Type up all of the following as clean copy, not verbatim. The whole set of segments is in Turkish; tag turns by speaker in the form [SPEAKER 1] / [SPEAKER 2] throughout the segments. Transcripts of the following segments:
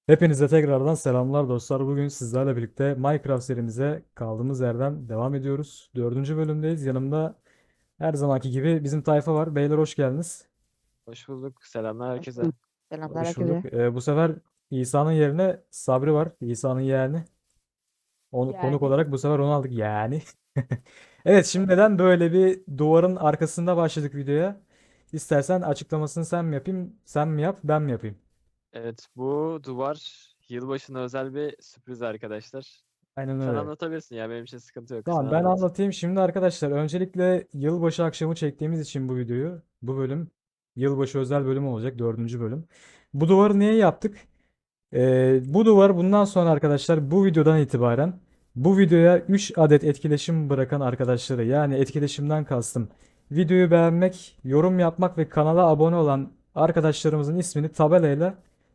[SPEAKER 1] Hepinize tekrardan selamlar dostlar. Bugün sizlerle birlikte Minecraft serimize kaldığımız yerden devam ediyoruz. Dördüncü bölümdeyiz. Yanımda her zamanki gibi bizim tayfa var. Beyler hoş geldiniz.
[SPEAKER 2] Hoş bulduk. Selamlar
[SPEAKER 3] Hoş
[SPEAKER 2] herkese.
[SPEAKER 3] bulduk. Selamlar
[SPEAKER 1] Hoş bulduk.
[SPEAKER 3] herkese.
[SPEAKER 1] Bu sefer İsa'nın yerine Sabri var. İsa'nın yeğeni. Onu, konuk
[SPEAKER 3] Yani
[SPEAKER 1] olarak bu sefer onu aldık yani. Evet, şimdi neden böyle bir duvarın arkasında başladık videoya? İstersen açıklamasını sen mi yapayım, sen mi yap, ben mi yapayım?
[SPEAKER 2] Evet, bu duvar yılbaşına özel bir sürpriz arkadaşlar.
[SPEAKER 1] Aynen
[SPEAKER 2] Sen
[SPEAKER 1] öyle.
[SPEAKER 2] anlatabilirsin ya benim için sıkıntı yok. Sen
[SPEAKER 1] Tamam, ben
[SPEAKER 2] anlat.
[SPEAKER 1] anlatayım. Şimdi arkadaşlar öncelikle yılbaşı akşamı çektiğimiz için bu videoyu, bu bölüm yılbaşı özel bölüm olacak, dördüncü bölüm. Bu duvarı niye yaptık? Bu duvar bundan sonra arkadaşlar bu videodan itibaren bu videoya 3 adet etkileşim bırakan arkadaşları, yani etkileşimden kastım videoyu beğenmek, yorum yapmak ve kanala abone olan arkadaşlarımızın ismini tabelayla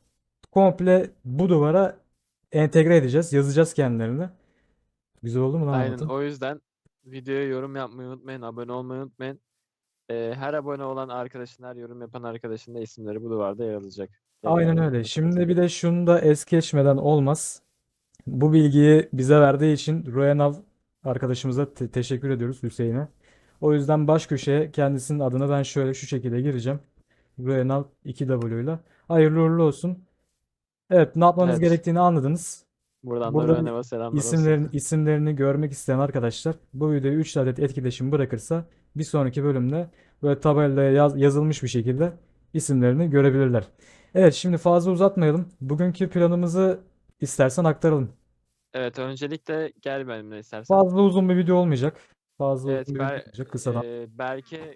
[SPEAKER 1] komple bu duvara entegre edeceğiz. Yazacağız kendilerini. Güzel oldu mu lan
[SPEAKER 2] Aynen
[SPEAKER 1] anlatım?
[SPEAKER 2] o yüzden videoya yorum yapmayı unutmayın, abone olmayı unutmayın. Her abone olan arkadaşın, her yorum yapan arkadaşın da isimleri bu duvarda yer alacak.
[SPEAKER 1] Aynen
[SPEAKER 2] Tekrardan
[SPEAKER 1] öyle. Şimdi
[SPEAKER 2] hatırlatayım.
[SPEAKER 1] bir de şunu da es geçmeden olmaz. Bu bilgiyi bize verdiği için Royanav arkadaşımıza teşekkür ediyoruz, Hüseyin'e. O yüzden baş köşeye kendisinin adını ben şöyle şu şekilde gireceğim. Royanav 2W ile. Hayırlı uğurlu olsun. Evet, ne yapmanız
[SPEAKER 2] Evet,
[SPEAKER 1] gerektiğini anladınız.
[SPEAKER 2] buradan da
[SPEAKER 1] Burada
[SPEAKER 2] Rönev'e selamlar olsun.
[SPEAKER 1] isimlerini görmek isteyen arkadaşlar bu videoya 3 adet etkileşim bırakırsa bir sonraki bölümde böyle tabelaya yazılmış bir şekilde isimlerini görebilirler. Evet, şimdi fazla uzatmayalım. Bugünkü planımızı istersen aktaralım.
[SPEAKER 2] Evet, öncelikle gel benimle istersen.
[SPEAKER 1] Fazla uzun bir video olmayacak. Fazla
[SPEAKER 2] Evet,
[SPEAKER 1] uzun bir video olmayacak. Kısadan.
[SPEAKER 2] belki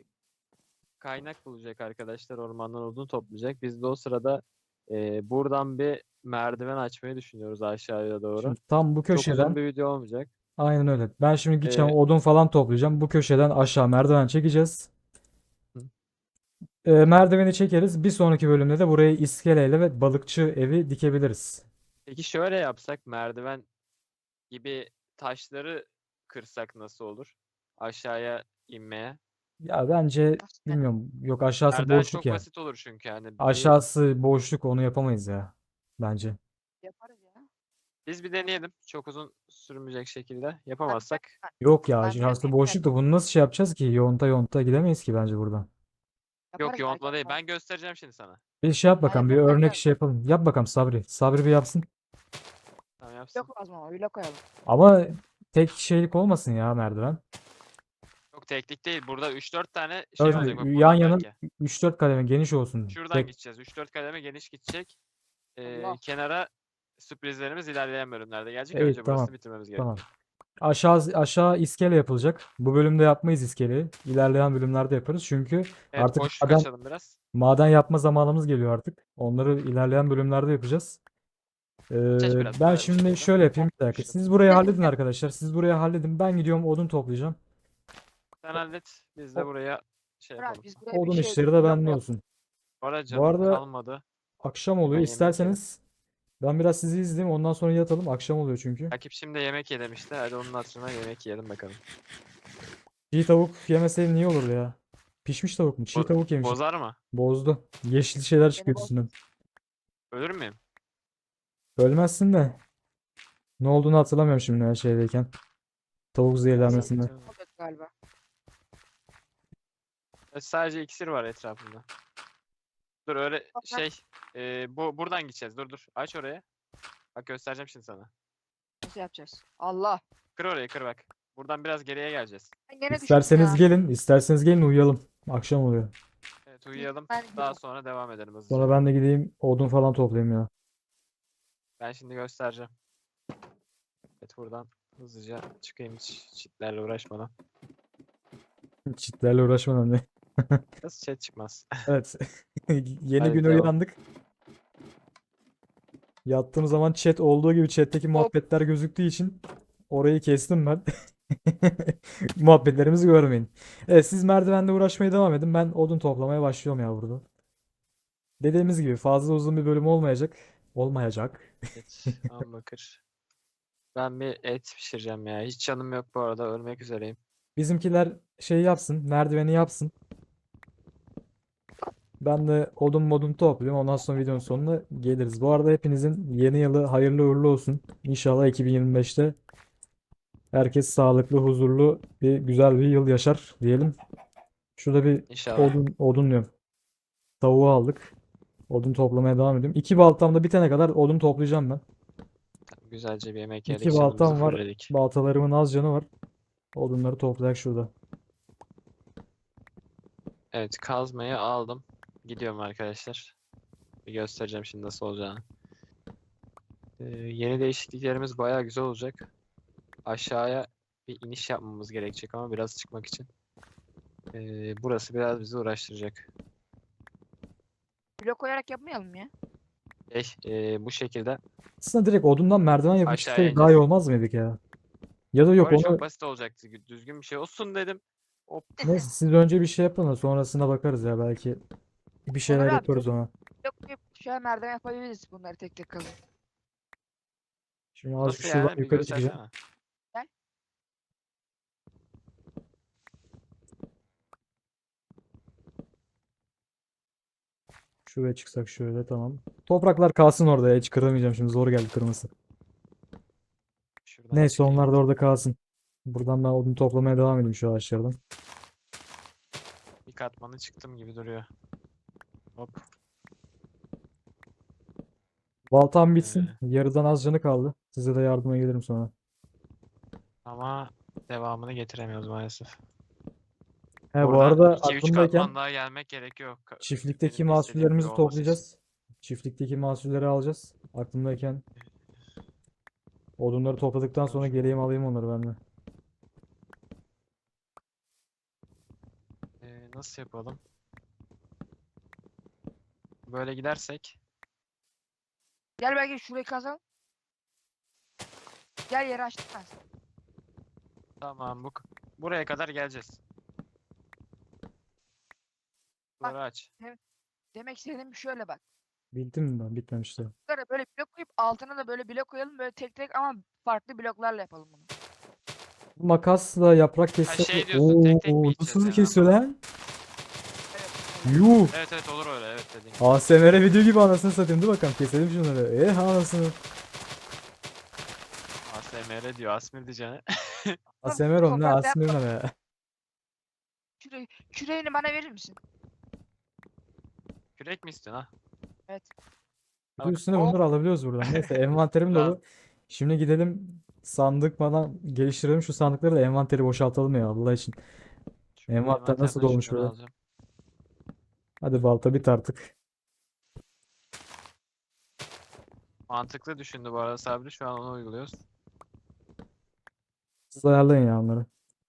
[SPEAKER 2] kaynak bulacak arkadaşlar. Ormandan odun toplayacak. Biz de o sırada buradan bir merdiven açmayı düşünüyoruz aşağıya doğru.
[SPEAKER 1] Şimdi tam bu
[SPEAKER 2] Çok uzun
[SPEAKER 1] köşeden,
[SPEAKER 2] bir video olmayacak.
[SPEAKER 1] aynen öyle. Ben şimdi gideceğim
[SPEAKER 2] E,
[SPEAKER 1] odun falan toplayacağım. Bu köşeden aşağı merdiven çekeceğiz.
[SPEAKER 2] hı.
[SPEAKER 1] Merdiveni çekeriz. Bir sonraki bölümde de buraya iskeleyle ve balıkçı evi dikebiliriz.
[SPEAKER 2] Peki şöyle yapsak merdiven gibi taşları kırsak nasıl olur? Aşağıya inmeye.
[SPEAKER 1] Ya bence
[SPEAKER 3] nasıl yani?
[SPEAKER 1] bilmiyorum. Yok, aşağısı
[SPEAKER 2] Merdiven
[SPEAKER 1] boşluk
[SPEAKER 2] çok
[SPEAKER 1] ya.
[SPEAKER 2] basit olur çünkü yani
[SPEAKER 1] Aşağısı boşluk, onu yapamayız ya. Bence.
[SPEAKER 3] Yaparız ya.
[SPEAKER 2] biz bir deneyelim. Çok uzun sürmeyecek şekilde.
[SPEAKER 3] Merdiven,
[SPEAKER 2] Yapamazsak
[SPEAKER 1] Yok ya,
[SPEAKER 3] merdiven
[SPEAKER 1] aşağısı boşluk da bunu nasıl şey yapacağız ki? Yonta yonta gidemeyiz ki bence buradan.
[SPEAKER 2] yok
[SPEAKER 3] yaparız
[SPEAKER 2] yontma
[SPEAKER 3] merdiven.
[SPEAKER 2] değil. Ben göstereceğim şimdi sana.
[SPEAKER 1] Bir şey yap
[SPEAKER 3] Hayır
[SPEAKER 1] bakalım. Bir
[SPEAKER 3] yok
[SPEAKER 1] örnek
[SPEAKER 3] merdiven.
[SPEAKER 1] şey yapalım. Yap bakalım Sabri. Sabri bir yapsın.
[SPEAKER 2] Tamam yapsın.
[SPEAKER 3] Yok lazım ama öyle koyalım.
[SPEAKER 1] Ama tek şeylik olmasın ya merdiven.
[SPEAKER 2] Yok teknik değil. Burada 3-4 tane şey
[SPEAKER 1] Evet,
[SPEAKER 2] olacak. Bak
[SPEAKER 1] yan
[SPEAKER 2] buradan
[SPEAKER 1] yana
[SPEAKER 2] belki.
[SPEAKER 1] 3-4 kademe geniş olsun.
[SPEAKER 2] Şuradan
[SPEAKER 1] Tek.
[SPEAKER 2] gideceğiz. 3-4 kademe geniş gidecek.
[SPEAKER 3] Allah.
[SPEAKER 2] Kenara sürprizlerimiz ilerleyen bölümlerde gelecek.
[SPEAKER 1] Evet,
[SPEAKER 2] Önce
[SPEAKER 1] tamam.
[SPEAKER 2] burasını bitirmemiz
[SPEAKER 1] Tamam.
[SPEAKER 2] gerekiyor.
[SPEAKER 1] Aşağı iskele yapılacak. Bu bölümde yapmayız iskeleyi. İlerleyen bölümlerde yaparız. Çünkü
[SPEAKER 2] Evet
[SPEAKER 1] artık
[SPEAKER 2] boşluk açalım biraz.
[SPEAKER 1] maden yapma zamanımız geliyor artık. Onları ilerleyen bölümlerde yapacağız.
[SPEAKER 2] Geç biraz
[SPEAKER 1] Ben
[SPEAKER 2] paralel bir
[SPEAKER 1] şimdi
[SPEAKER 2] şekilde.
[SPEAKER 1] şöyle yapayım, bir dakika.
[SPEAKER 2] Yapıştır.
[SPEAKER 1] Siz burayı halledin arkadaşlar. Siz burayı halledin. Ben gidiyorum odun toplayacağım.
[SPEAKER 2] Sen hallet. Biz de
[SPEAKER 1] O-
[SPEAKER 2] buraya şey
[SPEAKER 3] Murat,
[SPEAKER 2] yapalım.
[SPEAKER 3] biz buraya bir
[SPEAKER 1] Odun
[SPEAKER 3] şey
[SPEAKER 1] işleri de
[SPEAKER 3] blok mu
[SPEAKER 1] bende
[SPEAKER 3] yapalım?
[SPEAKER 1] olsun.
[SPEAKER 2] Orada
[SPEAKER 1] Bu
[SPEAKER 2] canım
[SPEAKER 1] arada
[SPEAKER 2] kalmadı.
[SPEAKER 1] akşam
[SPEAKER 2] Hemen
[SPEAKER 1] oluyor.
[SPEAKER 2] yemek yedim.
[SPEAKER 1] İsterseniz ben biraz sizi izleyeyim. Ondan sonra yatalım. Akşam oluyor çünkü.
[SPEAKER 2] Rakip şimdi yemek ye demişti. Hadi onun hatırına yemek yiyelim bakalım.
[SPEAKER 1] Çiğ tavuk yemeseydim niye olur ya? Pişmiş tavuk mu? Çiğ tavuk yemişim.
[SPEAKER 2] Bozar mı?
[SPEAKER 1] Bozdu. Yeşil şeyler
[SPEAKER 3] Beni
[SPEAKER 1] çıkıyor
[SPEAKER 3] boz.
[SPEAKER 1] üstünden.
[SPEAKER 2] Ölür müyüm?
[SPEAKER 1] Ölmezsin de. Ne olduğunu hatırlamıyorum şimdi her şeydeyken. Tavuk zehirlenmesinden.
[SPEAKER 2] Sıkıntı yok.
[SPEAKER 3] Olacak galiba.
[SPEAKER 2] Sadece iksir var etrafında. Dur öyle
[SPEAKER 3] Toprak
[SPEAKER 2] buradan gideceğiz. Dur. Aç oraya. Bak göstereceğim şimdi sana.
[SPEAKER 3] nasıl yapacağız? Allah.
[SPEAKER 2] Kır orayı kır bak. Buradan biraz geriye geleceğiz.
[SPEAKER 3] Ben gene düştüm
[SPEAKER 1] İsterseniz
[SPEAKER 3] ya.
[SPEAKER 1] gelin. İsterseniz gelin uyuyalım. Akşam oluyor.
[SPEAKER 2] Evet uyuyalım.
[SPEAKER 3] Ben
[SPEAKER 2] Daha
[SPEAKER 3] gidiyorum.
[SPEAKER 2] sonra devam edelim
[SPEAKER 1] Sonra
[SPEAKER 2] hızlıca.
[SPEAKER 1] ben de gideyim odun falan toplayayım ya.
[SPEAKER 2] Ben şimdi göstereceğim. Evet buradan hızlıca çıkayım hiç çitlerle uğraşmadan.
[SPEAKER 1] Çitlerle uğraşmadan ne?
[SPEAKER 2] Nasıl chat çıkmaz.
[SPEAKER 1] Evet. Yeni
[SPEAKER 2] Hadi
[SPEAKER 1] güne
[SPEAKER 2] devam.
[SPEAKER 1] uyandık. Yattığım zaman chat olduğu gibi chat'teki
[SPEAKER 3] Hop.
[SPEAKER 1] muhabbetler gözüktüğü için orayı kestim ben. Muhabbetlerimizi görmeyin. Evet, siz merdivende uğraşmaya devam edin. Ben odun toplamaya başlıyorum ya burada. Dediğimiz gibi fazla uzun bir bölüm olmayacak. Olmayacak.
[SPEAKER 2] Evet bakır. Ben bir et pişireceğim ya. Hiç canım yok bu arada. Ölmek üzereyim.
[SPEAKER 1] Bizimkiler şey yapsın, merdiveni yapsın. Ben de odun modun topluyorum. Ondan sonra videonun sonuna geliriz. Bu arada hepinizin yeni yılı hayırlı uğurlu olsun. İnşallah 2025'te herkes sağlıklı, huzurlu bir güzel bir yıl yaşar diyelim. Şurada bir
[SPEAKER 2] İnşallah.
[SPEAKER 1] odun diyorum. Tavuğu aldık. Odun toplamaya devam ediyorum. 2 baltamda bitene kadar odun toplayacağım ben.
[SPEAKER 2] Güzelce bir yemek yedik.
[SPEAKER 1] 2
[SPEAKER 2] Canımızı
[SPEAKER 1] baltam var.
[SPEAKER 2] fulledik.
[SPEAKER 1] Baltalarımın az canı var. Odunları toplayak şurada.
[SPEAKER 2] Evet, kazmayı aldım. Gidiyorum arkadaşlar. Bir göstereceğim şimdi nasıl olacağını. Yeni değişikliklerimiz bayağı güzel olacak. Aşağıya bir iniş yapmamız gerekecek ama biraz çıkmak için. Burası biraz bizi uğraştıracak.
[SPEAKER 3] Blok koyarak yapmayalım ya.
[SPEAKER 2] Bu şekilde
[SPEAKER 1] Aslında direkt odundan merdiven yapıp
[SPEAKER 2] aşağıya
[SPEAKER 1] çıksaydık daha iyi
[SPEAKER 2] ineceğiz.
[SPEAKER 1] olmaz mıydık ya? Ya da yok
[SPEAKER 2] Böyle
[SPEAKER 1] onu
[SPEAKER 2] çok basit olacaktı. Düzgün bir şey olsun dedim. Hop.
[SPEAKER 1] neyse siz önce bir şey yapın da sonrasında bakarız ya belki bir
[SPEAKER 3] Onur
[SPEAKER 1] şeyler
[SPEAKER 3] abi
[SPEAKER 1] yaparız ona.
[SPEAKER 3] blok koyup şöyle merdiven yapabiliriz bunları tek tek kazın.
[SPEAKER 1] Şimdi azıcık
[SPEAKER 2] Nasıl
[SPEAKER 1] şuradan
[SPEAKER 2] yani? Bir
[SPEAKER 1] yukarı çıkacağım.
[SPEAKER 2] göstersene.
[SPEAKER 3] Gel.
[SPEAKER 1] Şuraya çıksak şöyle tamam. Topraklar kalsın orada ya, hiç kıramayacağım şimdi zor geldi kırması.
[SPEAKER 2] Şuradan
[SPEAKER 1] Neyse
[SPEAKER 2] çıkayım.
[SPEAKER 1] onlar da orada kalsın. Buradan ben odun toplamaya devam edeyim şu ağaçlardan.
[SPEAKER 2] Bir katmanı çıktım gibi duruyor. Hop.
[SPEAKER 1] Baltam
[SPEAKER 2] Ee,
[SPEAKER 1] bitsin. Yarıdan az canı kaldı. Size de yardıma gelirim sonra.
[SPEAKER 2] ama devamını getiremiyoruz maalesef.
[SPEAKER 1] He bu
[SPEAKER 2] Buradan
[SPEAKER 1] arada
[SPEAKER 2] 2-3
[SPEAKER 1] aklımdayken
[SPEAKER 2] katman daha gelmek gerekiyor.
[SPEAKER 1] çiftlikteki
[SPEAKER 2] Benim de istediğim gibi
[SPEAKER 1] mahsullerimizi
[SPEAKER 2] olması için.
[SPEAKER 1] toplayacağız. Çiftlikteki mahsulleri alacağız. Aklımdayken odunları topladıktan sonra geleyim alayım onları ben de.
[SPEAKER 2] Nasıl yapalım? Böyle gidersek
[SPEAKER 3] Gel belki şurayı kazalım. Gel yeri açtım ben sana.
[SPEAKER 2] tamam buraya kadar geleceğiz. Buraları aç.
[SPEAKER 3] Demek istediğim şöyle bak.
[SPEAKER 1] Bildim mi ben? Bitmemişti.
[SPEAKER 3] Bunlara böyle blok koyup altına da böyle blok koyalım böyle tek tek ama farklı bloklarla yapalım bunu.
[SPEAKER 1] Bu makasla yaprak
[SPEAKER 2] Ha
[SPEAKER 1] kesse...
[SPEAKER 2] şey diyorsun tek tek mi
[SPEAKER 1] Oo,
[SPEAKER 2] gideceğiz
[SPEAKER 1] nasıl
[SPEAKER 2] yani
[SPEAKER 1] kesiyor
[SPEAKER 2] anladım.
[SPEAKER 1] lan?
[SPEAKER 3] Evet.
[SPEAKER 1] Yuh!
[SPEAKER 2] Evet evet olur öyle evet dediğin gibi.
[SPEAKER 1] ASMR video gibi anasını satayım. Dur bakalım keselim şunları. Anasını.
[SPEAKER 2] ASMR diyor Asmir diyeceğine.
[SPEAKER 1] ASMR oğlum ne
[SPEAKER 3] Toprak
[SPEAKER 1] ASMR
[SPEAKER 3] yapma.
[SPEAKER 1] ne be?
[SPEAKER 3] Küreğini bana verir misin?
[SPEAKER 2] Kürek mi istiyorsun ha?
[SPEAKER 3] Evet.
[SPEAKER 1] Bir de
[SPEAKER 2] Bak,
[SPEAKER 1] üstüne
[SPEAKER 2] hop.
[SPEAKER 1] bunları alabiliyoruz buradan. Neyse envanterim
[SPEAKER 2] Tamam.
[SPEAKER 1] dolu. Şimdi gidelim sandık falan geliştirelim. Şu sandıkları da envanteri boşaltalım ya Allah için.
[SPEAKER 2] Şu
[SPEAKER 1] Envanter nasıl
[SPEAKER 2] envanterden
[SPEAKER 1] dolmuş
[SPEAKER 2] şunları
[SPEAKER 1] böyle?
[SPEAKER 2] alacağım.
[SPEAKER 1] Hadi balta bit artık.
[SPEAKER 2] Mantıklı düşündü bu arada Sabri. Şu an onu uyguluyoruz.
[SPEAKER 1] Siz ayarlayın ya onları.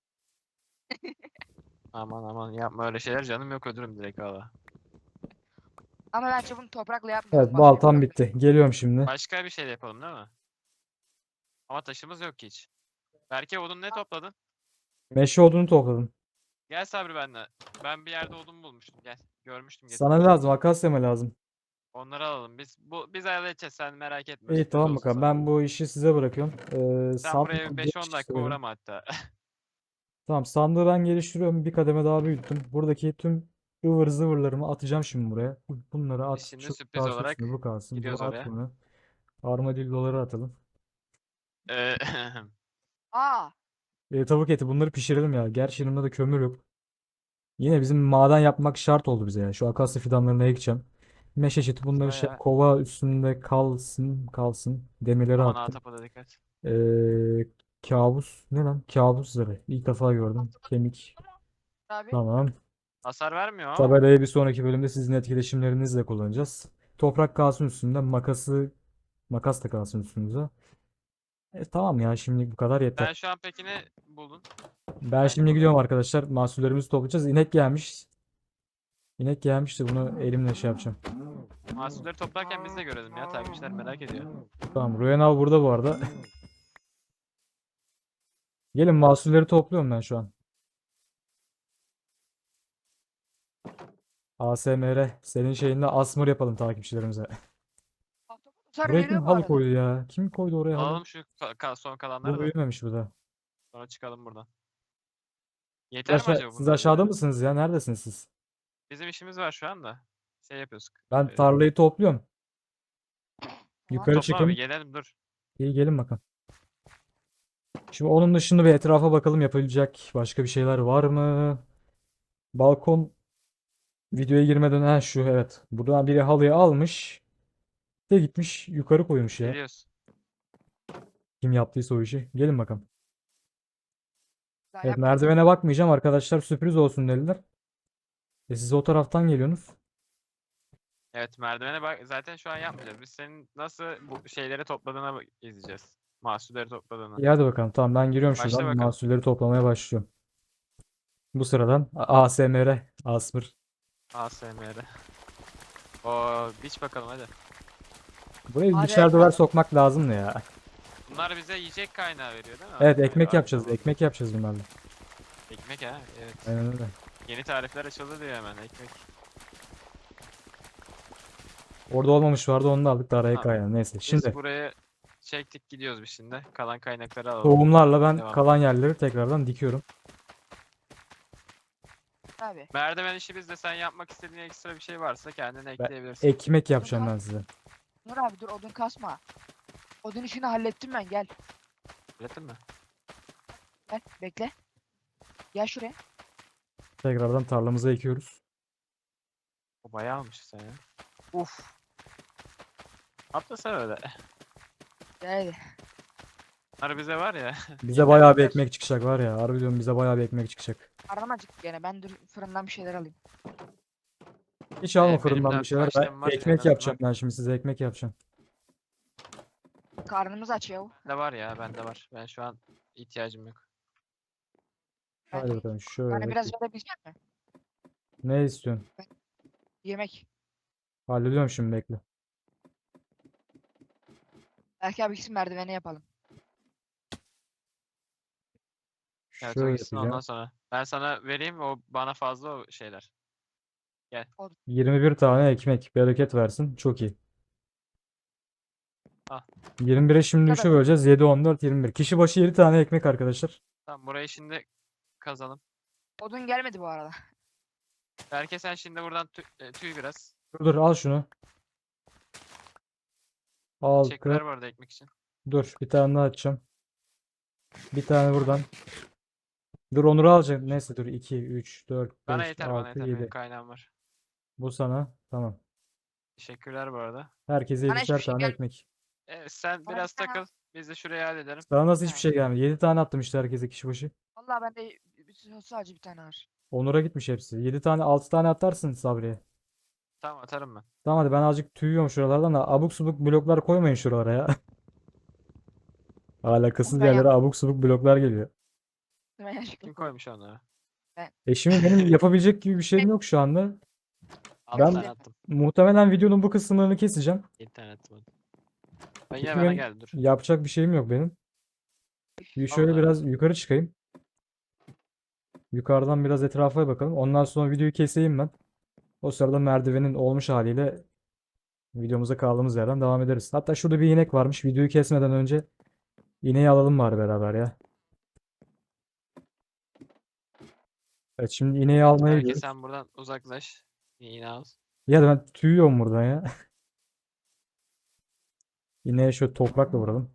[SPEAKER 2] Aman aman yapma öyle şeyler canım yok öldürürüm direkt valla.
[SPEAKER 3] Ama bence bunu toprakla
[SPEAKER 1] Evet
[SPEAKER 3] yapmayalım. Başka bir
[SPEAKER 1] baltam
[SPEAKER 3] blokla.
[SPEAKER 1] bitti. Geliyorum şimdi.
[SPEAKER 2] Başka bir şey de yapalım değil mi? Ama taşımız yok ki hiç. Berke odun ne topladın?
[SPEAKER 1] Meşe odunu topladım.
[SPEAKER 2] Gel Sabri benimle. Ben bir yerde odun bulmuştum. Gel. Görmüştüm
[SPEAKER 1] Sana ne
[SPEAKER 2] getirmiştim.
[SPEAKER 1] lazım? Akasya mı lazım?
[SPEAKER 2] Onları alalım. Biz halledeceğiz. Sen merak etme.
[SPEAKER 1] İyi
[SPEAKER 2] Sürpriz
[SPEAKER 1] tamam
[SPEAKER 2] olsun
[SPEAKER 1] bakalım.
[SPEAKER 2] sana.
[SPEAKER 1] Ben bu işi size bırakıyorum.
[SPEAKER 2] Sen buraya
[SPEAKER 1] Sandık
[SPEAKER 2] 5-10 dakika
[SPEAKER 1] geliştiriyorum.
[SPEAKER 2] uğrama hatta.
[SPEAKER 1] Tamam sandığı ben geliştiriyorum. Bir kademe daha büyüttüm. Buradaki tüm ıvır zıvırlarımı atacağım şimdi buraya. Bunları
[SPEAKER 2] Biz
[SPEAKER 1] at.
[SPEAKER 2] şimdi
[SPEAKER 1] Şu
[SPEAKER 2] sürpriz
[SPEAKER 1] kalsın
[SPEAKER 2] olarak
[SPEAKER 1] üstüne bu kalsın.
[SPEAKER 2] gidiyoruz
[SPEAKER 1] Buna at
[SPEAKER 2] oraya.
[SPEAKER 1] bunu. Armadilloları atalım.
[SPEAKER 2] Ee,
[SPEAKER 3] Aa,
[SPEAKER 1] Tavuk eti bunları pişirelim ya. Gerçi yanımda da kömür yok. Yine bizim maden yapmak şart oldu bize ya. Şu akasya fidanlarını ekeceğim. Meşe çiti bunları şey
[SPEAKER 2] Bayağı
[SPEAKER 1] kova üstünde kalsın. Demirleri
[SPEAKER 2] aman
[SPEAKER 1] attım.
[SPEAKER 2] ahtapota dikkat.
[SPEAKER 1] Ee, kabus ne lan? Kabus zırhı. İlk defa gördüm. Kemik.
[SPEAKER 3] abi.
[SPEAKER 1] Tamam.
[SPEAKER 2] Hasar vermiyor ama.
[SPEAKER 1] Tabelayı bir sonraki bölümde sizin etkileşimlerinizle kullanacağız. Toprak kalsın üstünde. Makas da kalsın üstünüze. Tamam ya şimdi bu kadar yeter.
[SPEAKER 2] Sen şu an peki ne buldun?
[SPEAKER 1] Ben şimdi gidiyorum arkadaşlar. Mahsullerimizi toplayacağız. İnek gelmiş. İnek gelmiş de bunu elimle şey yapacağım.
[SPEAKER 2] Mahsulleri toplarken biz de görelim ya. Takipçiler merak ediyor.
[SPEAKER 1] Tamam. Ruyen abi burada bu arada. Gelin mahsulleri topluyorum ben şu an. ASMR. Senin şeyinde asmır yapalım takipçilerimize.
[SPEAKER 3] Sonra
[SPEAKER 1] Buraya kim
[SPEAKER 3] geliyor bu
[SPEAKER 1] halı
[SPEAKER 3] arada.
[SPEAKER 1] koydu ya? Kim koydu oraya halı?
[SPEAKER 2] Alalım şu son kalanları
[SPEAKER 1] Bu
[SPEAKER 2] da.
[SPEAKER 1] büyümemiş bu da.
[SPEAKER 2] Sonra çıkalım buradan. Yeter mi acaba
[SPEAKER 1] Siz
[SPEAKER 2] bunlar bize?
[SPEAKER 1] aşağıda mısınız ya? Neredesiniz siz?
[SPEAKER 2] Bizim işimiz var şu anda. şey yapıyoruz.
[SPEAKER 1] Ben tarlayı topluyorum.
[SPEAKER 3] Tamam.
[SPEAKER 1] Yukarı
[SPEAKER 2] Toplama bir
[SPEAKER 1] çıkın.
[SPEAKER 2] gelelim dur.
[SPEAKER 1] İyi gelin bakalım. Şimdi onun dışında bir etrafa bakalım, yapabilecek başka bir şeyler var mı? Balkon videoya girmeden şu evet. Buradan biri halıyı almış. De gitmiş yukarı koymuş ya.
[SPEAKER 2] Geliyoruz.
[SPEAKER 1] Kim yaptıysa o işi. Gelin bakalım.
[SPEAKER 3] Daha
[SPEAKER 1] Evet,
[SPEAKER 3] yapmadık.
[SPEAKER 1] merdivene bakmayacağım arkadaşlar, sürpriz olsun dediler. Siz o taraftan geliyorsunuz.
[SPEAKER 2] Evet merdivene bak. Zaten şu an yapmayacağız. Biz senin nasıl bu şeyleri topladığına izleyeceğiz. Mahsulleri topladığını.
[SPEAKER 1] İyi hadi bakalım. Tamam, ben giriyorum
[SPEAKER 2] Başla
[SPEAKER 1] şuradan.
[SPEAKER 2] bakalım.
[SPEAKER 1] Mahsulleri toplamaya başlıyorum. Bu sıradan ASMR. Asmır.
[SPEAKER 2] ASMR. O biç bakalım hadi.
[SPEAKER 1] Buraya
[SPEAKER 3] Hadi
[SPEAKER 1] dışarı duvar
[SPEAKER 3] bakalım.
[SPEAKER 1] sokmak lazım ya.
[SPEAKER 2] Bunlar bize yiyecek kaynağı veriyor değil mi?
[SPEAKER 1] Evet,
[SPEAKER 2] Aynı
[SPEAKER 1] ekmek yapacağız.
[SPEAKER 2] zamanda.
[SPEAKER 1] Ekmek yapacağız bunlarla.
[SPEAKER 2] Ekmek ha. Evet.
[SPEAKER 1] Aynen öyle.
[SPEAKER 2] Yeni tarifler açıldı diyor hemen ekmek.
[SPEAKER 1] Orada olmamış vardı, onu da aldık da araya
[SPEAKER 2] Tamam.
[SPEAKER 1] kaynadı. Neyse.
[SPEAKER 2] Biz
[SPEAKER 1] Şimdi
[SPEAKER 2] buraya çektik gidiyoruz biz şimdi. Kalan kaynakları alalım.
[SPEAKER 1] tohumlarla ben
[SPEAKER 2] Devam.
[SPEAKER 1] kalan yerleri tekrardan dikiyorum.
[SPEAKER 3] Abi.
[SPEAKER 2] Merdiven işi bizde, sen yapmak istediğin ekstra bir şey varsa kendine
[SPEAKER 1] Ben
[SPEAKER 2] ekleyebilirsin.
[SPEAKER 1] ekmek yapacağım ben size.
[SPEAKER 3] Dur abi dur odun kasma. Odun işini hallettim ben gel.
[SPEAKER 2] Öğretin mi?
[SPEAKER 3] Gel bekle. Gel şuraya.
[SPEAKER 1] Tekrardan tarlamıza ekiyoruz.
[SPEAKER 2] O bayağı almış sen ya. Uf. Atlasana öyle.
[SPEAKER 3] Gel hadi.
[SPEAKER 2] Bunlar bize var ya.
[SPEAKER 1] Bize bayağı bir
[SPEAKER 2] yeter.
[SPEAKER 1] ekmek çıkacak var ya. Harbi diyorum, bize bayağı bir ekmek çıkacak.
[SPEAKER 3] Karnım acıktı gene. Ben dur fırından bir şeyler alayım.
[SPEAKER 1] Hiç alma
[SPEAKER 2] Benim
[SPEAKER 1] fırından
[SPEAKER 2] de
[SPEAKER 1] bir şeyler. Ben
[SPEAKER 2] başlığım var en
[SPEAKER 1] ekmek
[SPEAKER 2] azından.
[SPEAKER 1] yapacağım, ben şimdi size ekmek yapacağım.
[SPEAKER 3] Karnımız aç ya.
[SPEAKER 2] Bende var ya, bende var. Ben şu an ihtiyacım yok.
[SPEAKER 1] Hadi
[SPEAKER 3] Ben,
[SPEAKER 1] bakalım
[SPEAKER 3] bana
[SPEAKER 1] şöyle.
[SPEAKER 3] biraz verebilecek misin?
[SPEAKER 1] Ne istiyorsun?
[SPEAKER 3] Yemek.
[SPEAKER 1] Hallediyorum şimdi, bekle.
[SPEAKER 3] Belki abi gitsin merdivene yapalım.
[SPEAKER 2] Evet o
[SPEAKER 1] Şöyle
[SPEAKER 2] gitsin ondan
[SPEAKER 1] yapacağım.
[SPEAKER 2] sonra. Ben sana vereyim, o bana fazla o şeyler.
[SPEAKER 1] 21 tane ekmek. Bereket versin. Çok iyi.
[SPEAKER 2] Al.
[SPEAKER 1] 21'e şimdi
[SPEAKER 3] Kadar.
[SPEAKER 1] 3'e böleceğiz. 7, 14, 21. Kişi başı 7 tane ekmek arkadaşlar.
[SPEAKER 2] Tamam burayı şimdi kazalım.
[SPEAKER 3] Odun gelmedi bu arada.
[SPEAKER 2] Belki sen şimdi buradan tüy biraz.
[SPEAKER 1] Dur al şunu. Al
[SPEAKER 2] Teşekkürler bu arada ekmek için.
[SPEAKER 1] Dur bir tane daha açacağım. Bir tane buradan. Dur Onur'u alacağım. Neyse dur 2, 3, 4,
[SPEAKER 2] Bana
[SPEAKER 1] 5,
[SPEAKER 2] yeter, bana
[SPEAKER 1] 6,
[SPEAKER 2] yeter. Benim
[SPEAKER 1] 7.
[SPEAKER 2] kaynağım var.
[SPEAKER 1] Bu sana. Tamam.
[SPEAKER 2] Teşekkürler bu arada.
[SPEAKER 1] Herkese
[SPEAKER 3] Bana hiçbir
[SPEAKER 1] 7'şer
[SPEAKER 3] şey
[SPEAKER 1] tane
[SPEAKER 3] gelmedi.
[SPEAKER 1] ekmek.
[SPEAKER 2] Evet, sen
[SPEAKER 3] Bana
[SPEAKER 2] biraz
[SPEAKER 3] bir tane-
[SPEAKER 2] takıl. Biz de şurayı halledelim.
[SPEAKER 1] Sana nasıl hiçbir
[SPEAKER 3] Ha.
[SPEAKER 1] şey gelmedi? 7 tane attım işte herkese kişi başı.
[SPEAKER 3] Vallahi bende sadece bir tane var.
[SPEAKER 1] Onur'a gitmiş hepsi. 7 tane 6 tane atarsın Sabri'ye.
[SPEAKER 2] Tamam atarım ben.
[SPEAKER 1] Tamam hadi, ben azıcık tüyüyorum şuralardan da abuk subuk bloklar koymayın şuralara ya. Alakasız
[SPEAKER 3] Ben
[SPEAKER 1] yerlere
[SPEAKER 3] yaptım.
[SPEAKER 1] abuk subuk bloklar geliyor.
[SPEAKER 3] Ben yanlışlıkla
[SPEAKER 2] Kim
[SPEAKER 3] koydum.
[SPEAKER 2] koymuş onları?
[SPEAKER 1] Şimdi benim yapabilecek gibi bir şeyim yok şu anda.
[SPEAKER 2] 6
[SPEAKER 1] Ben-
[SPEAKER 2] tane attım.
[SPEAKER 1] Muhtemelen videonun bu kısımlarını keseceğim.
[SPEAKER 2] 7 tane attım. Ben
[SPEAKER 1] Çünkü
[SPEAKER 2] yine bana
[SPEAKER 1] benim
[SPEAKER 2] geldi dur.
[SPEAKER 1] yapacak bir şeyim yok benim. Bir şöyle
[SPEAKER 2] Allah.
[SPEAKER 1] biraz yukarı çıkayım. Yukarıdan biraz etrafa bakalım. Ondan sonra videoyu keseyim ben. O sırada merdivenin olmuş haliyle videomuza kaldığımız yerden devam ederiz. Hatta şurada bir inek varmış. Videoyu kesmeden önce ineği alalım bari beraber ya. Evet, şimdi ineği almaya
[SPEAKER 2] Belki
[SPEAKER 1] gidiyoruz.
[SPEAKER 2] sen buradan uzaklaş. Yine al.
[SPEAKER 1] Ya da ben tüyüyorum buradan ya. İneğe şöyle toprakla vuralım.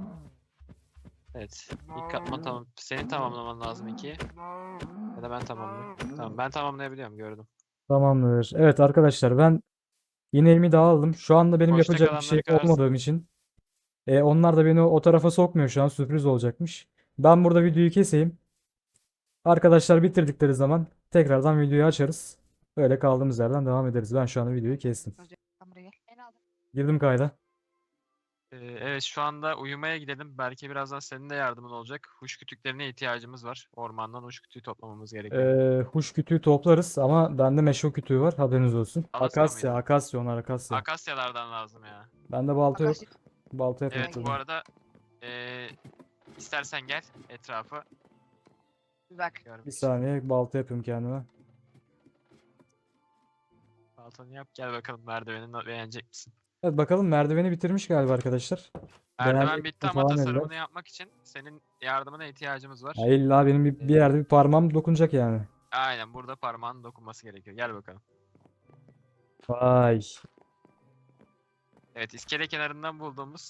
[SPEAKER 2] Evet. İlk katman tamam. Senin tamamlaman lazım 2. Ya da ben tamamlayayım. Tamam ben tamamlayabiliyorum, gördüm.
[SPEAKER 1] Tamamdır. Evet arkadaşlar, ben ineğimi de aldım. Şu anda benim
[SPEAKER 2] Boşta
[SPEAKER 1] yapacak bir şey
[SPEAKER 2] kalanları kırarsın.
[SPEAKER 1] olmadığım için. Onlar da beni o tarafa sokmuyor şu an. Sürpriz olacakmış. Ben burada videoyu keseyim. Arkadaşlar bitirdikleri zaman tekrardan videoyu açarız. Böyle kaldığımız yerden devam ederiz. Ben şu anda videoyu kestim.
[SPEAKER 3] Sen buraya gel. En aldım.
[SPEAKER 1] Girdim kayda.
[SPEAKER 2] Evet şu anda uyumaya gidelim. Belki birazdan senin de yardımın olacak. Huş kütüklerine ihtiyacımız var. Ormandan huş kütüğü toplamamız gerekiyor.
[SPEAKER 1] Huş kütüğü toplarız ama bende meşe kütüğü var. Haberiniz olsun.
[SPEAKER 2] Alasya
[SPEAKER 1] Akasya,
[SPEAKER 2] mıydı?
[SPEAKER 1] akasya onlar akasya.
[SPEAKER 2] Akasyalardan lazım ya.
[SPEAKER 1] Bende balta yok.
[SPEAKER 3] Akasya.
[SPEAKER 1] Balta
[SPEAKER 2] Evet
[SPEAKER 1] yapıyorum.
[SPEAKER 2] bu arada istersen gel etrafı
[SPEAKER 3] Bir bak.
[SPEAKER 2] görmek
[SPEAKER 1] Bir
[SPEAKER 2] için.
[SPEAKER 1] saniye balta yapıyorum kendime.
[SPEAKER 2] Baltanı yap gel bakalım, merdivenini beğenecek misin?
[SPEAKER 1] Evet bakalım, merdiveni bitirmiş galiba arkadaşlar.
[SPEAKER 2] Merdiven
[SPEAKER 1] Beğenecek
[SPEAKER 2] bitti
[SPEAKER 1] mi
[SPEAKER 2] ama
[SPEAKER 1] falan dediler.
[SPEAKER 2] tasarımını yapmak için senin yardımına ihtiyacımız var.
[SPEAKER 1] Ya illa benim bir yerde bir parmağım dokunacak yani.
[SPEAKER 2] Aynen burada parmağın dokunması gerekiyor. Gel bakalım.
[SPEAKER 1] Vay.
[SPEAKER 2] Evet, iskele kenarından bulduğumuz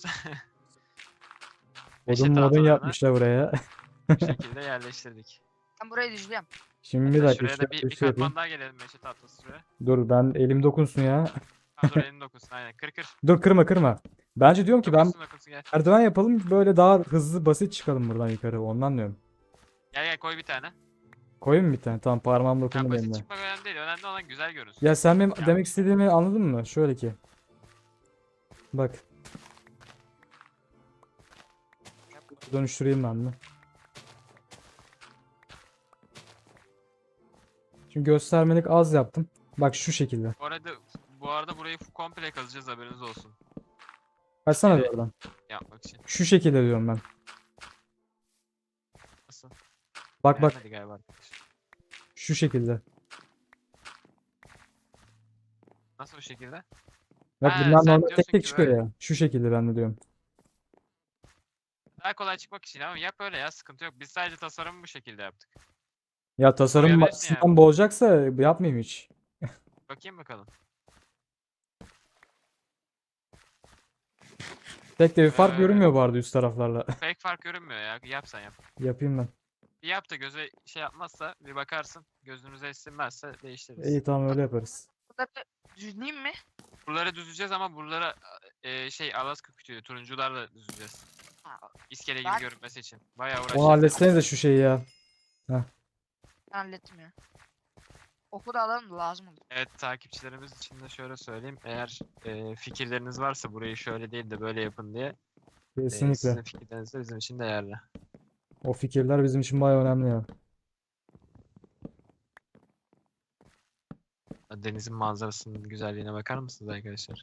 [SPEAKER 1] Odun
[SPEAKER 2] meşe
[SPEAKER 1] modun
[SPEAKER 2] tahtalarını
[SPEAKER 1] yapmışlar buraya.
[SPEAKER 2] bu şekilde yerleştirdik.
[SPEAKER 3] Ben burayı düzlüyorum.
[SPEAKER 1] Şimdi bir
[SPEAKER 2] Hatta
[SPEAKER 1] dakika
[SPEAKER 2] şuraya da
[SPEAKER 1] şöyle bir
[SPEAKER 2] bir
[SPEAKER 1] şey yapayım.
[SPEAKER 2] katman daha gelelim meşe tahtası şuraya.
[SPEAKER 1] Dur ben elim dokunsun ya.
[SPEAKER 2] Ha dur elini dokunsun aynen. Kır kır.
[SPEAKER 1] Dur kırma kırma. Bence diyorum ki ben
[SPEAKER 2] Dokunsun dokunsun gel.
[SPEAKER 1] merdiven yapalım böyle daha hızlı basit çıkalım buradan yukarı. Ondan diyorum.
[SPEAKER 2] Gel gel koy bir tane.
[SPEAKER 1] Koyayım mı bir tane? Tamam parmağım
[SPEAKER 2] Ya
[SPEAKER 1] dokundu benim
[SPEAKER 2] basit
[SPEAKER 1] de.
[SPEAKER 2] çıkmak önemli değil. Önemli olan güzel görünsün.
[SPEAKER 1] Ya sen benim
[SPEAKER 2] Ya.
[SPEAKER 1] demek istediğimi anladın mı? Şöyle ki. Bak. Dönüştüreyim ben de. Şimdi göstermelik az yaptım. Bak şu şekilde.
[SPEAKER 2] Bu arada burayı komple kazacağız haberiniz olsun.
[SPEAKER 1] Kaçsana bir
[SPEAKER 2] Evet.
[SPEAKER 1] oradan.
[SPEAKER 2] Yapmak için.
[SPEAKER 1] Şu şekilde diyorum ben.
[SPEAKER 2] Nasıl?
[SPEAKER 1] Bak bak.
[SPEAKER 2] Beğenmedi galiba arkadaş.
[SPEAKER 1] Şu şekilde.
[SPEAKER 2] Nasıl bu şekilde?
[SPEAKER 1] Bak
[SPEAKER 2] Ha,
[SPEAKER 1] bunlar
[SPEAKER 2] sen
[SPEAKER 1] normal tek
[SPEAKER 2] diyorsun
[SPEAKER 1] tek
[SPEAKER 2] ki
[SPEAKER 1] çıkıyor
[SPEAKER 2] böyle.
[SPEAKER 1] ya. Şu şekilde ben de diyorum.
[SPEAKER 2] Daha kolay çıkmak için ama yap öyle ya sıkıntı yok. Biz sadece tasarımı bu şekilde yaptık.
[SPEAKER 1] Ya tasarım
[SPEAKER 2] Boyayabilirsin
[SPEAKER 1] açısından
[SPEAKER 2] yani.
[SPEAKER 1] bozacaksa yapmayayım hiç.
[SPEAKER 2] Bakayım bakalım.
[SPEAKER 1] Pek de bir fark
[SPEAKER 2] Ee,
[SPEAKER 1] görünmüyor bu arada üst taraflarla.
[SPEAKER 2] Pek fark görünmüyor ya. Yap sen yap.
[SPEAKER 1] Yapayım ben.
[SPEAKER 2] Bir yap da göze şey yapmazsa bir bakarsın. Gözünüze esirmezse değiştiririz.
[SPEAKER 1] İyi tamam öyle yaparız.
[SPEAKER 3] Bunları düzleyeyim mi?
[SPEAKER 2] Buraları düzeceğiz ama buralara Alaska kütüğü turuncularla düzeceğiz.
[SPEAKER 3] Ha,
[SPEAKER 2] İskele gibi
[SPEAKER 3] Ben-
[SPEAKER 2] görünmesi için. Bayağı
[SPEAKER 1] Onu
[SPEAKER 2] uğraşacağız.
[SPEAKER 1] halletsenize şu şeyi ya.
[SPEAKER 3] ben hallettim ya. Oku da alalım da lazım olur.
[SPEAKER 2] Evet takipçilerimiz için de şöyle söyleyeyim. Eğer fikirleriniz varsa burayı şöyle değil de böyle yapın diye
[SPEAKER 1] Kesinlikle.
[SPEAKER 2] sizin fikirleriniz de bizim için değerli.
[SPEAKER 1] O fikirler bizim için bayağı önemli ya.
[SPEAKER 2] Denizin manzarasının güzelliğine bakar mısınız arkadaşlar?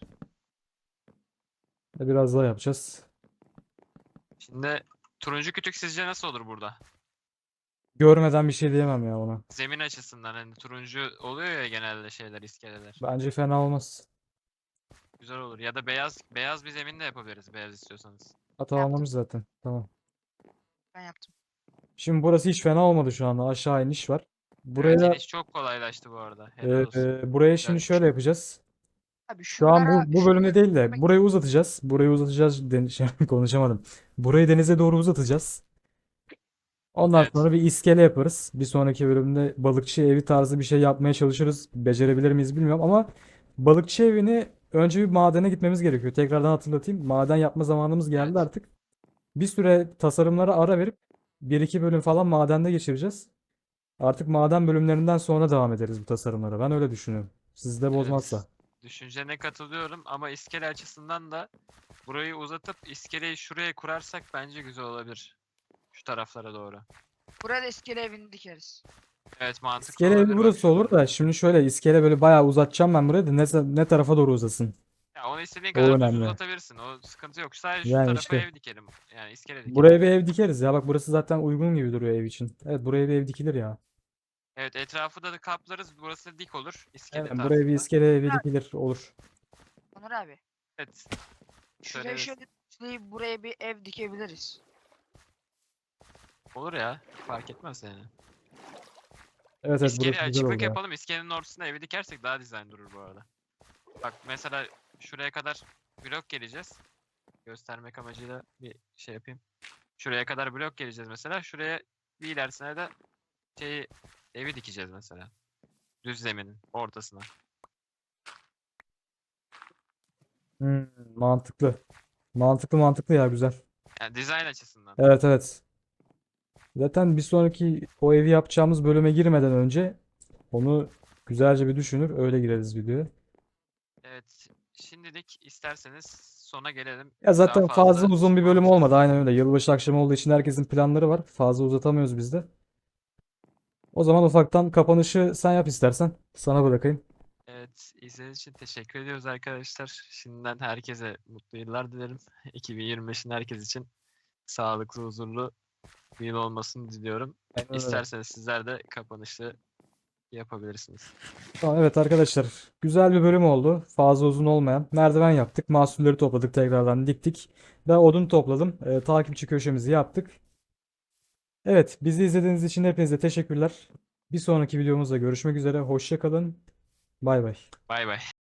[SPEAKER 1] Biraz daha yapacağız.
[SPEAKER 2] Şimdi turuncu kütük sizce nasıl olur burada?
[SPEAKER 1] Görmeden bir şey diyemem ya ona.
[SPEAKER 2] Zemin açısından hani turuncu oluyor ya genelde şeyler iskeleler.
[SPEAKER 1] Bence fena olmaz.
[SPEAKER 2] Güzel olur. Ya da beyaz bir zemin de yapabiliriz beyaz istiyorsanız.
[SPEAKER 1] Hata anlamış zaten. Tamam.
[SPEAKER 3] Ben yaptım.
[SPEAKER 1] Şimdi burası hiç fena olmadı şu anda. Aşağı iniş var.
[SPEAKER 2] Evet,
[SPEAKER 1] Buraya
[SPEAKER 2] iniş çok kolaylaştı bu arada. Helal olsun.
[SPEAKER 1] buraya
[SPEAKER 2] Güzel.
[SPEAKER 1] şimdi şöyle yapacağız.
[SPEAKER 3] Abi
[SPEAKER 1] Şu an
[SPEAKER 3] şuralara
[SPEAKER 1] bu bölümde değil de
[SPEAKER 3] şuralara-
[SPEAKER 1] burayı uzatacağız. Burayı uzatacağız. Konuşamadım. Burayı denize doğru uzatacağız. Ondan
[SPEAKER 2] Evet.
[SPEAKER 1] sonra bir iskele yaparız. Bir sonraki bölümde balıkçı evi tarzı bir şey yapmaya çalışırız. Becerebilir miyiz bilmiyorum ama balıkçı evini önce bir madene gitmemiz gerekiyor. Tekrardan hatırlatayım. Maden yapma zamanımız geldi
[SPEAKER 2] Evet.
[SPEAKER 1] artık. Bir süre tasarımlara ara verip bir iki bölüm falan madende geçireceğiz. Artık maden bölümlerinden sonra devam ederiz bu tasarımlara. Ben öyle düşünüyorum. Siz de bozmazsa.
[SPEAKER 2] Evet. Düşüncene katılıyorum ama iskele açısından da burayı uzatıp iskeleyi şuraya kurarsak bence güzel olabilir. Şu taraflara doğru.
[SPEAKER 3] Buraya da iskele evini dikeriz.
[SPEAKER 2] Evet mantıklı
[SPEAKER 1] İskele evi
[SPEAKER 2] olabilir bak
[SPEAKER 1] burası olur
[SPEAKER 2] şurada.
[SPEAKER 1] da şimdi şöyle iskele böyle bayağı uzatacağım ben burayı da ne tarafa doğru uzasın.
[SPEAKER 2] Ya onu istediğin
[SPEAKER 1] O
[SPEAKER 2] kadar düz
[SPEAKER 1] önemli.
[SPEAKER 2] uzatabilirsin. O sıkıntı yok. Sadece şu
[SPEAKER 1] Yani
[SPEAKER 2] tarafa
[SPEAKER 1] işte
[SPEAKER 2] ev dikelim. Yani iskele dikelim.
[SPEAKER 1] buraya bir ev dikeriz ya. Bak burası zaten uygun gibi duruyor ev için. Evet buraya bir ev dikilir ya.
[SPEAKER 2] Evet etrafı da kaplarız. Burası dik olur. İskele
[SPEAKER 1] Evet buraya bir
[SPEAKER 2] tarzında.
[SPEAKER 1] iskele evi dikilir olur.
[SPEAKER 3] Onur abi.
[SPEAKER 2] Evet.
[SPEAKER 3] Şuraya
[SPEAKER 2] Söyleriz.
[SPEAKER 3] şöyle düzleyip buraya bir ev dikebiliriz.
[SPEAKER 2] Olur ya. Fark etmez yani.
[SPEAKER 1] Evet evet
[SPEAKER 2] İskele
[SPEAKER 1] burası güzel
[SPEAKER 2] açıklık
[SPEAKER 1] oldu ya.
[SPEAKER 2] yapalım. İskelenin ortasına evi dikersek daha dizayn durur bu arada. Bak mesela şuraya kadar blok geleceğiz. Göstermek amacıyla bir şey yapayım. Şuraya kadar blok geleceğiz mesela. Şuraya bir ilerisine de evi dikeceğiz mesela. Düz zeminin ortasına.
[SPEAKER 1] Mantıklı. Mantıklı ya güzel.
[SPEAKER 2] Yani dizayn açısından.
[SPEAKER 1] Evet evet. Zaten bir sonraki o evi yapacağımız bölüme girmeden önce onu güzelce bir düşünür öyle gireriz videoya.
[SPEAKER 2] Evet. Şimdilik isterseniz sona gelelim.
[SPEAKER 1] Ya
[SPEAKER 2] Daha
[SPEAKER 1] zaten fazla
[SPEAKER 2] fazla
[SPEAKER 1] uzun bir bölüm
[SPEAKER 2] konuşuruz.
[SPEAKER 1] olmadı. Aynen öyle. Yılbaşı akşamı olduğu için herkesin planları var. Fazla uzatamıyoruz biz de. O zaman ufaktan kapanışı sen yap istersen. Sana bırakayım.
[SPEAKER 2] Evet, izlediğiniz için teşekkür ediyoruz arkadaşlar. Şimdiden herkese mutlu yıllar dilerim. 2025'in herkes için sağlıklı, huzurlu bir yıl olmasını diliyorum.
[SPEAKER 1] Aynen öyle.
[SPEAKER 2] İsterseniz sizler de kapanışı yapabilirsiniz.
[SPEAKER 1] Tamam, evet arkadaşlar. Güzel bir bölüm oldu. Fazla uzun olmayan. Merdiven yaptık. Mahsulleri topladık. Tekrardan diktik. Ben odun topladım. Takipçi köşemizi yaptık. Evet, bizi izlediğiniz için hepinize teşekkürler. Bir sonraki videomuzda görüşmek üzere. Hoşça kalın. Bay bay.
[SPEAKER 2] Bay bay.